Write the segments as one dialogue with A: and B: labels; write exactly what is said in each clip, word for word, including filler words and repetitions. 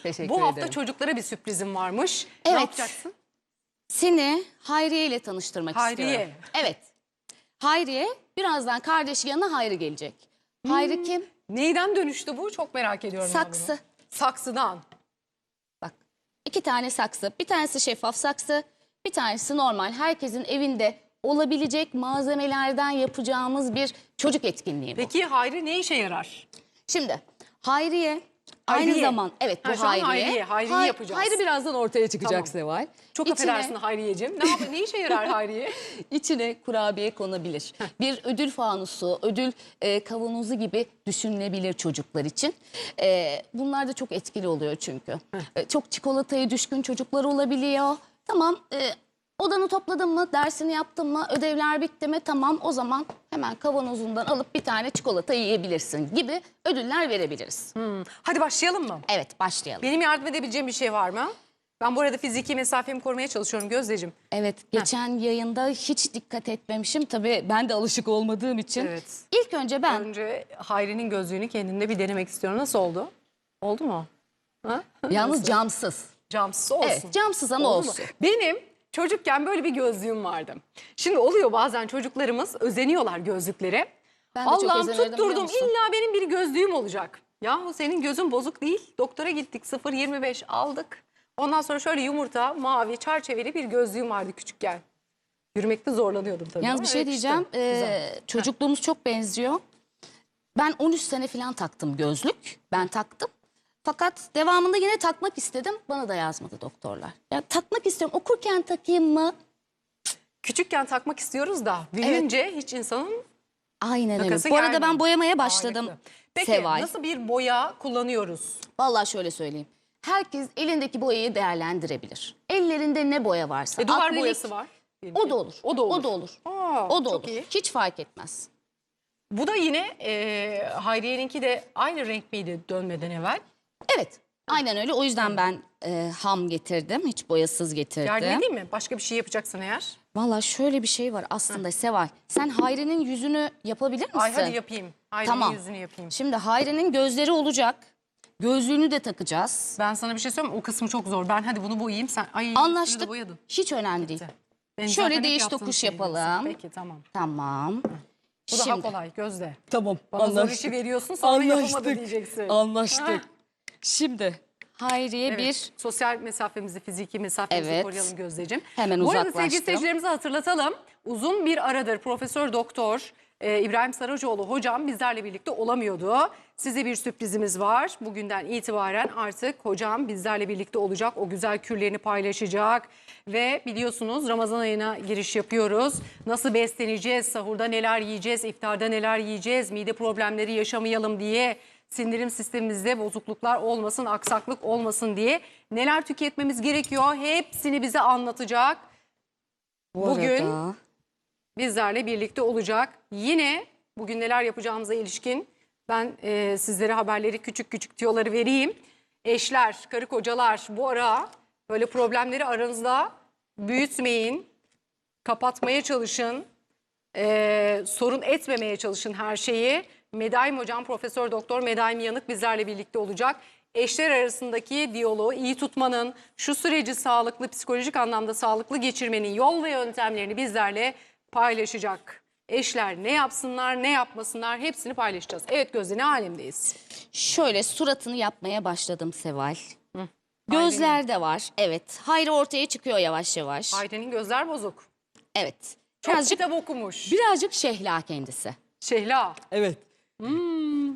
A: Teşekkür
B: Bu hafta
A: ederim.
B: çocuklara bir sürprizim varmış.
A: Evet.
B: Ne yapacaksın?
A: Seni Hayriye ile tanıştırmak
B: Hayriye.
A: istiyorum. Evet. Hayriye, birazdan kardeşi yanına Hayri gelecek. Hayri
B: Hmm.
A: kim?
B: Neyden dönüştü bu? Çok merak ediyorum. ben bunu.
A: Saksı.
B: Saksıdan.
A: Bak, iki tane saksı. Bir tanesi şeffaf saksı, bir tanesi normal. Herkesin evinde olabilecek malzemelerden yapacağımız bir çocuk etkinliği bu.
B: Peki Hayri ne işe yarar?
A: Şimdi Hayriye,
B: Hayriye.
A: aynı zaman evet bu
B: Ha, şu an
A: Hayriye.
B: Hayriye, Hayriye'yi
A: Hay-
B: yapacağız.
A: Hayri birazdan ortaya çıkacak
B: Tamam.
A: Seval.
B: Çok
A: İçine-
B: affedersin Hayriyeciğim. Ne, yap ne işe yarar Hayriye?
A: İçine kurabiye konabilir. Bir ödül fanusu, ödül e, kavanozu gibi düşünülebilir çocuklar için. E, bunlar da çok etkili oluyor çünkü. E, çok çikolataya düşkün çocuklar olabiliyor. Tamam, e, odanı topladın mı, dersini yaptın mı, ödevler bitti mi? Tamam, o zaman hemen kavanozundan alıp bir tane çikolata yiyebilirsin gibi ödüller verebiliriz.
B: Hmm. Hadi başlayalım mı?
A: Evet, başlayalım.
B: Benim yardım edebileceğim bir şey var mı? Ben bu arada fiziki mesafemi korumaya çalışıyorum Gözdeciğim.
A: Evet, geçen yayında hiç dikkat etmemişim. Tabii ben de alışık olmadığım için.
B: Evet.
A: İlk önce ben...
B: Önce Hayri'nin gözlüğünü kendimde bir denemek istiyorum. Nasıl oldu? Oldu mu? Ha?
A: Yalnız
B: Nasıl?
A: camsız.
B: Camsız olsun.
A: Evet, camsız ama
B: Oldu mu?
A: olsun.
B: Benim çocukken böyle bir gözlüğüm vardı. Şimdi oluyor bazen çocuklarımız özeniyorlar gözlüklere.
A: Ben de çok
B: Allah'ım
A: özenirdim, biliyor
B: tutturdum
A: musun?
B: illa benim bir gözlüğüm olacak. Yahu senin gözün bozuk değil. Doktora gittik sıfır yirmi beş aldık. Ondan sonra şöyle yumurta, mavi, çerçeveli bir gözlüğüm vardı küçükken. Yürümekte zorlanıyordum tabii.
A: Yalnız
B: ama
A: bir şey
B: yakıştı.
A: diyeceğim.
B: Güzel.
A: Ee, çocukluğumuz çok benziyor. Ben on üç sene falan taktım gözlük. Ben taktım. Fakat devamında yine takmak istedim. Bana da yazmadı doktorlar. Ya takmak istiyorum. Okurken takayım mı?
B: Küçükken takmak istiyoruz da büyüyünce hiç insanın
A: Aynen öyle.
B: takası
A: Bu arada
B: gelmiyor.
A: ben boyamaya başladım.
B: Harika. Peki
A: Seval.
B: nasıl bir boya kullanıyoruz?
A: Vallahi şöyle söyleyeyim. Herkes elindeki boyayı değerlendirebilir. Ellerinde ne boya varsa.
B: E, duvar
A: akrilik,
B: boyası var.
A: O da olur.
B: O da olur.
A: O da olur.
B: Aa,
A: o da
B: çok
A: olur.
B: iyi.
A: Hiç fark etmez.
B: Bu da yine e, Hayriye'ninki de aynı renk miydi dönmeden evvel?
A: Evet. Aynen öyle. O yüzden ben e, ham getirdim. Hiç boyasız getirdim.
B: Yardım edeyim mi? Başka bir şey yapacaksın eğer.
A: Vallahi şöyle bir şey var aslında Seval. Sen Hayri'nin yüzünü yapabilir misin?
B: Ay hadi yapayım. Hayriye'nin
A: Tamam.
B: yüzünü yapayım.
A: Şimdi Hayri'nin gözleri olacak. Gözlüğünü de takacağız.
B: Ben sana bir şey söyleyeyim mi? O kısmı çok zor. Ben hadi bunu boyayayım. Sen ay üstünü de
A: Anlaştık.
B: boyadın.
A: Hiç önemli değil.
B: Benim
A: Şöyle
B: zaten hep
A: değiş
B: yaptığım
A: tokuş
B: şey
A: yapalım.
B: diyorsun. Peki tamam.
A: Tamam.
B: Bu daha
A: Şimdi.
B: kolay Gözde.
A: Tamam.
B: Bana zor işi veriyorsun sonra yapamadı diyeceksin.
A: Anlaştık. Şimdi Hayriye
B: Evet.
A: bir...
B: Sosyal mesafemizi, fiziki mesafemizi
A: Evet.
B: koruyalım Gözdeciğim.
A: Hemen
B: Bu arada sevgili
A: uzaklaştım.
B: seyircilerimize hatırlatalım. Uzun bir aradır Profesör Doktor e, İbrahim Saracoğlu hocam bizlerle birlikte olamıyordu. Size bir sürprizimiz var. Bugünden itibaren artık hocam bizlerle birlikte olacak. O güzel kürlerini paylaşacak. Ve biliyorsunuz Ramazan ayına giriş yapıyoruz. Nasıl besleneceğiz, sahurda neler yiyeceğiz, iftarda neler yiyeceğiz, mide problemleri yaşamayalım diye... Sindirim sistemimizde bozukluklar olmasın, aksaklık olmasın diye neler tüketmemiz gerekiyor hepsini bize anlatacak.
A: Bu
B: Bugün
A: arada...
B: bizlerle birlikte olacak. Yine bugün neler yapacağımıza ilişkin ben e, sizlere haberleri küçük küçük tüyoları vereyim. Eşler, karı kocalar bu ara böyle problemleri aranızda büyütmeyin, kapatmaya çalışın. Ee, sorun etmemeye çalışın her şeyi. Medaim hocam Profesör Doktor Medaim Yanık bizlerle birlikte olacak. Eşler arasındaki diyaloğu iyi tutmanın, şu süreci sağlıklı, psikolojik anlamda sağlıklı geçirmenin yol ve yöntemlerini bizlerle paylaşacak. Eşler ne yapsınlar, ne yapmasınlar hepsini paylaşacağız. Evet Gözde, ne alemdeyiz?
A: Şöyle suratını yapmaya başladım Seval.
B: Hı.
A: Gözler de var. Evet. Hayri ortaya çıkıyor yavaş yavaş.
B: Hayri'nin gözler bozuk.
A: Evet.
B: Çok
A: Birazcık,
B: kitap okumuş.
A: birazcık şehla kendisi.
B: Şehla.
A: Evet.
B: Hmm.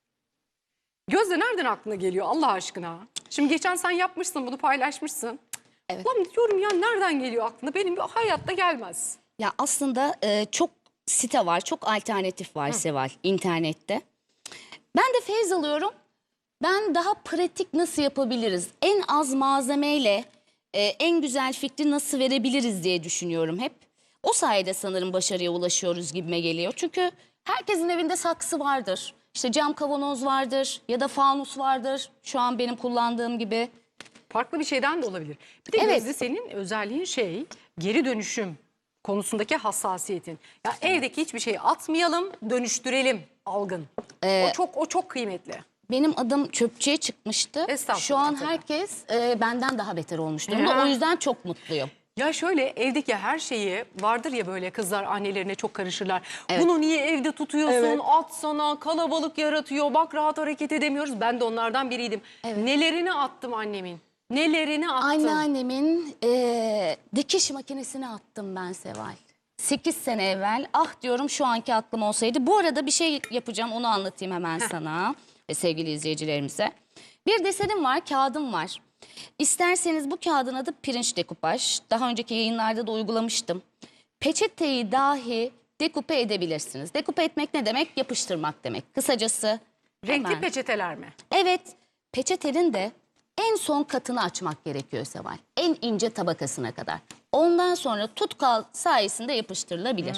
B: Gözde nereden aklına geliyor Allah aşkına? Şimdi geçen sen yapmışsın bunu paylaşmışsın.
A: Evet.
B: Ulan diyorum ya nereden geliyor aklına? Benim bir hayatta gelmez.
A: Ya aslında e, çok site var, çok alternatif var Seval internette. Ben de feyz alıyorum. Ben daha pratik nasıl yapabiliriz? En az malzemeyle e, en güzel fikri nasıl verebiliriz diye düşünüyorum hep. O sayede sanırım başarıya ulaşıyoruz gibime geliyor. Çünkü herkesin evinde saksı vardır. İşte cam kavanoz vardır ya da fanus vardır. Şu an benim kullandığım gibi.
B: Farklı bir şeyden de olabilir. Bir de
A: Evet.
B: Gözde senin özelliğin şey geri dönüşüm konusundaki hassasiyetin. Ya evdeki hiçbir şeyi atmayalım, dönüştürelim algın.
A: Ee,
B: o çok o çok kıymetli.
A: benim adım çöpçüye çıkmıştı.
B: Estağfurullah,
A: Şu an
B: tabii.
A: herkes e, benden daha beter olmuş durumda.
B: Ya.
A: O yüzden çok mutluyum.
B: Ya şöyle evdeki her şeyi vardır ya, böyle kızlar annelerine çok karışırlar.
A: Evet.
B: Bunu niye evde tutuyorsun?
A: Evet.
B: At sana, kalabalık yaratıyor. Bak rahat hareket edemiyoruz. Ben de onlardan biriydim. Nelerini attım annemin. Nelerini attım.
A: Anneannemin e, dikiş makinesini attım ben Seval. sekiz sene evvel. Ah diyorum şu anki aklım olsaydı. Bu arada bir şey yapacağım, onu anlatayım hemen sana ve sevgili izleyicilerimize. Bir desenim var, kağıdım var. İsterseniz bu kağıdın adı pirinç dekupaj. Daha önceki yayınlarda da uygulamıştım. Peçeteyi dahi dekupe edebilirsiniz. Dekupe etmek ne demek? Yapıştırmak demek. Kısacası
B: Renkli
A: hemen.
B: peçeteler mi?
A: Evet, peçetenin de en son katını açmak gerekiyor Seval. En ince tabakasına kadar. Ondan sonra tutkal sayesinde yapıştırılabilir.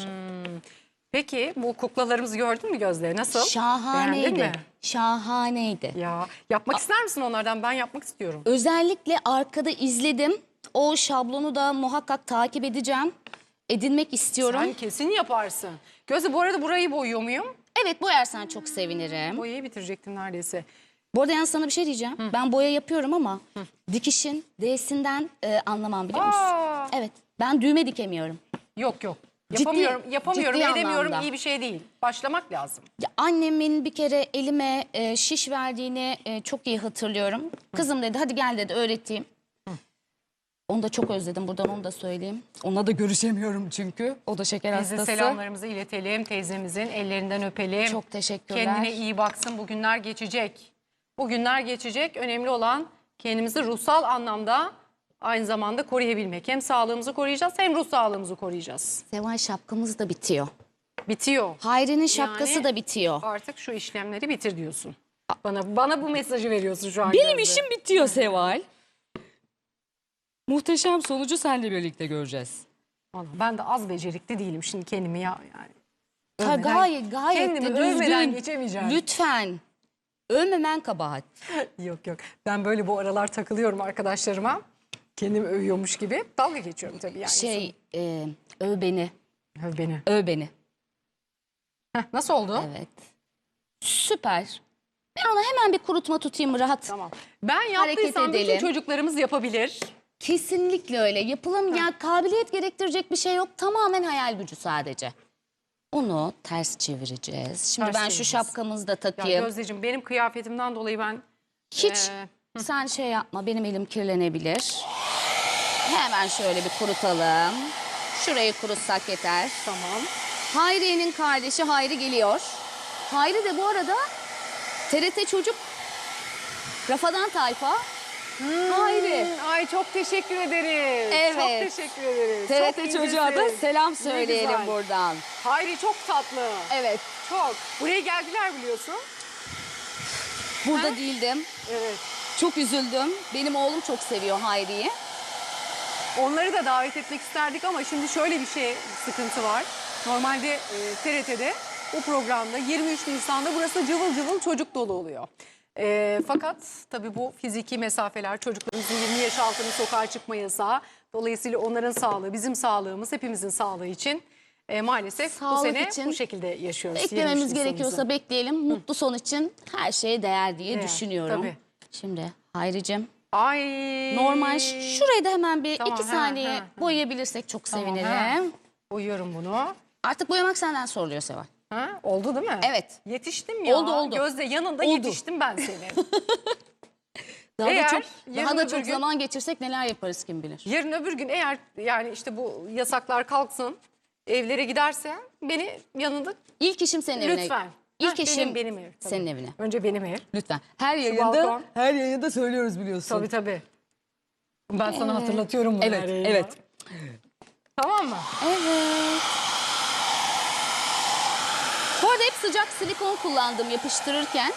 B: Peki bu kuklalarımızı gördün mü Gözde? Nasıl? Beğendin
A: Şahaneydi.
B: mi?
A: Şahaneydi.
B: Ya yapmak ister misin onlardan? Ben yapmak istiyorum.
A: Özellikle arkada izledim. O şablonu da muhakkak takip edeceğim. Edinmek istiyorum.
B: Sen kesin yaparsın. Gözde, bu arada burayı boyuyor muyum?
A: Evet, boyarsan çok sevinirim.
B: Boyayı bitirecektim neredeyse.
A: Bu arada yalnız sana bir şey diyeceğim. Ben boya yapıyorum ama dikişin D'sinden e, anlamam, biliyor musun?
B: Aa.
A: Evet, ben düğme dikemiyorum.
B: Yok yok.
A: Ciddi-
B: Yapamıyorum, yapamıyorum,
A: ciddi
B: edemiyorum.
A: anlamda.
B: İyi bir şey değil. Başlamak lazım.
A: Ya annemin bir kere elime e, şiş verdiğini e, çok iyi hatırlıyorum. Kızım dedi, hadi gel dedi, öğreteyim. Onu da çok özledim, buradan onu da söyleyeyim. Onunla da görüşemiyorum çünkü. O da şeker
B: Biz de
A: hastası.
B: selamlarımızı iletelim. Teyzemizin ellerinden öpelim.
A: Çok teşekkürler.
B: Kendine iyi baksın. Bu günler geçecek. Bu günler geçecek. Önemli olan kendimizi ruhsal anlamda aynı zamanda koruyabilmek. Hem sağlığımızı koruyacağız hem ruh sağlığımızı koruyacağız.
A: Seval, şapkamız da bitiyor.
B: Bitiyor.
A: Hayri'nin şapkası
B: Yani
A: da bitiyor.
B: Artık şu işlemleri bitir diyorsun. Bana bana bu mesajı veriyorsun şu an.
C: Benim
B: Gözde.
C: işim bitiyor Seval. Muhteşem sonucu seninle birlikte göreceğiz.
B: Vallahi ben de az becerikli değilim şimdi kendimi ya yani.
A: Ha,
B: Övmeden-
A: gayet gayet
B: kendimi
A: de
B: övmeden
A: düzgün.
B: geçemeyeceğim.
A: Lütfen. Övmemen kabahat.
B: Yok yok. Ben böyle bu aralar takılıyorum arkadaşlarıma. Kendimi övüyormuş gibi. Dalga geçiyorum tabii yani.
A: Şey, e, öv beni.
B: Öv beni.
A: Öv beni.
B: Heh, nasıl oldu?
A: Evet. Süper. Ben ona hemen bir kurutma tutayım, rahat.
B: Tamam. Ben
A: Hareket
B: yaptıysam bütün
A: edelim.
B: çocuklarımız yapabilir.
A: Kesinlikle öyle. Yapılım ya, kabiliyet gerektirecek bir şey yok. Tamamen hayal gücü sadece. Onu ters çevireceğiz. Şimdi
B: Ters
A: ben şu
B: çevireceğiz.
A: şapkamızı da
B: Ya
A: takayım.
B: Gözdeciğim, benim kıyafetimden dolayı ben
A: Hiç
B: Ee,
A: sen şey yapma, benim elim kirlenebilir. Hemen şöyle bir kurutalım. Şurayı kurutsak yeter.
B: tamam.
A: Hayriye'nin kardeşi Hayri geliyor. Hayri de bu arada T R T Çocuk Rafadan Tayfa. Hayri.
B: Ay çok teşekkür ederiz.
A: Evet.
B: Çok teşekkür ederiz.
A: T R
B: Çok
A: T Çocuğa da
B: incesin.
A: selam
B: Ne
A: söyleyelim
B: güzel.
A: buradan.
B: Hayri çok tatlı.
A: Evet.
B: Çok. Buraya geldiler biliyorsun.
A: Burada değildim.
B: Evet.
A: Çok üzüldüm. Benim oğlum çok seviyor Hayri'yi.
B: Onları da davet etmek isterdik ama şimdi şöyle bir şey, sıkıntı var. Normalde e, T R T'de o programda yirmi üç Nisan'da burası cıvıl cıvıl çocuk dolu oluyor. E, fakat tabii bu fiziki mesafeler, çocuklarımızın yirmi yaş altına sokağa çıkma yasağı. Dolayısıyla onların sağlığı, bizim sağlığımız, hepimizin sağlığı için e, maalesef
A: Sağlık
B: bu sene
A: için
B: bu şekilde yaşıyoruz. yirmi üç
A: Beklememiz
B: Nisan'ımızı.
A: gerekiyorsa bekleyelim. Mutlu son için her şeye değer diye
B: Değer,
A: düşünüyorum.
B: tabii.
A: Şimdi Hayricim,
B: Ay.
A: normal şurayı da hemen bir
B: Tamam,
A: iki
B: ha,
A: saniye
B: ha, ha.
A: boyayabilirsek çok
B: Tamam,
A: sevinirim.
B: ha. Uyuyorum bunu.
A: Artık boyamak senden soruluyor Seval.
B: Ha, oldu değil mi?
A: Evet.
B: Yetiştim ya.
A: Oldu, oldu.
B: Gözde yanında
A: Oldu.
B: yetiştim ben senin.
A: Daha
B: Eğer
A: da çok,
B: yarın
A: daha da
B: öbür
A: çok
B: gün-
A: zaman geçirsek neler yaparız kim bilir.
B: Yarın öbür gün eğer yani işte bu yasaklar kalksın, evlere gidersen beni yanında
A: İlk işim senin evine.
B: lütfen.
A: İlk
B: Heh,
A: işim
B: benim, benim ev. tabii.
A: senin evine.
B: Önce benim ev.
A: Lütfen. Her
B: balkon.
A: yayında
C: Her yayında söylüyoruz biliyorsun.
B: Tabii tabii. Ben sana hatırlatıyorum bunu.
C: Evet,
B: her yayında.
C: evet.
B: Tamam mı?
A: Evet. Bu arada hep sıcak silikon kullandım yapıştırırken.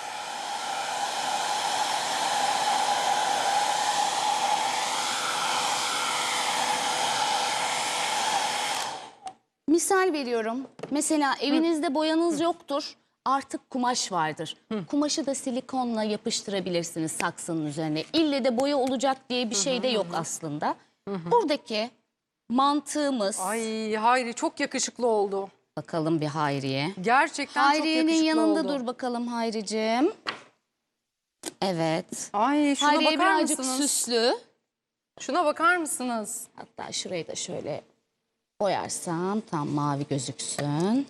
A: Misal veriyorum. Mesela evinizde boyanız yoktur. Artık kumaş vardır. Kumaşı da silikonla yapıştırabilirsiniz saksının üzerine. İlle de boya olacak diye bir şey de yok aslında. Buradaki mantığımız...
B: Ay Hayri çok yakışıklı oldu.
A: Bakalım bir Hayriye.
B: Gerçekten çok
A: Hayriye'nin
B: yakışıklı
A: yanında
B: oldu.
A: dur bakalım Hayricim. Evet.
B: Ay şuna
A: Her yeri
B: bakar
A: birazcık
B: mısınız?
A: süslü.
B: Şuna bakar mısınız?
A: Hatta şurayı da şöyle boyarsam tam mavi gözüksün.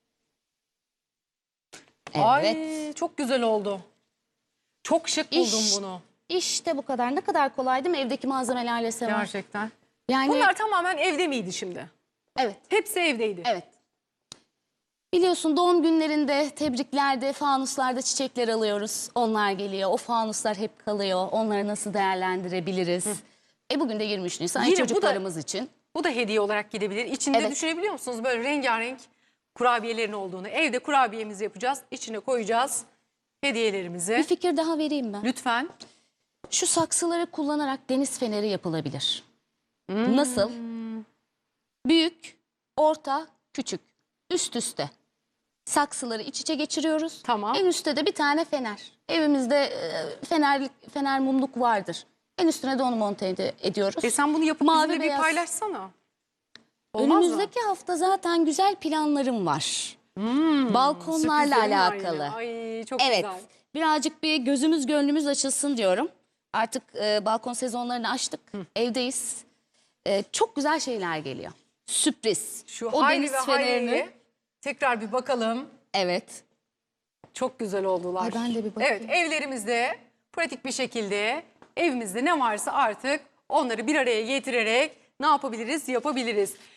A: Evet.
B: Ay çok güzel oldu. Çok şık buldum
A: İş-
B: bunu.
A: İşte bu kadar. Ne kadar kolay değil mi? Evdeki malzemelerle Seval.
B: Gerçekten.
A: Yani
B: Bunlar tamamen evde miydi şimdi?
A: evet.
B: Hepsi evdeydi.
A: Evet. Biliyorsun doğum günlerinde, tebriklerde, fanuslarda çiçekler alıyoruz. Onlar geliyor. O fanuslar hep kalıyor. Onları nasıl değerlendirebiliriz? E bugün de yirmi üç Nisan
B: Yine bu da-
A: çocuklarımız için.
B: Bu da hediye olarak gidebilir. İçinde
A: Evet.
B: düşünebiliyor musunuz böyle rengarenk kurabiyelerin olduğunu? Evde kurabiyemizi yapacağız. İçine koyacağız hediyelerimizi.
A: Bir fikir daha vereyim ben.
B: Lütfen.
A: Şu saksıları kullanarak deniz feneri yapılabilir. Nasıl? Büyük, orta, küçük. Üst üste. Saksıları iç içe geçiriyoruz.
B: Tamam.
A: En üstte de bir tane fener. Evimizde e, fener, fener mumluk vardır. En üstüne de onu monte ed- ediyoruz.
B: E sen bunu yapıp
A: Mavi
B: bizimle bir
A: beyaz.
B: paylaşsana. Olmaz mı?
A: Önümüzdeki hafta zaten güzel planlarım var. Balkonlarla
B: Sürprizlerim var
A: alakalı.
B: yine. Ay çok
A: Evet.
B: güzel.
A: Birazcık bir gözümüz gönlümüz açılsın diyorum. Artık e, balkon sezonlarını açtık. Evdeyiz. E, çok güzel şeyler geliyor. Sürpriz.
B: Şu
A: o
B: Hayri
A: deniz
B: ve
A: fenerini.
B: Hayri'ye tekrar bir bakalım.
A: Evet.
B: Çok güzel oldular.
A: Ay, ben de bir bakayım.
B: Evet, evlerimizde pratik bir şekilde evimizde ne varsa artık onları bir araya getirerek ne yapabiliriz? Yapabiliriz.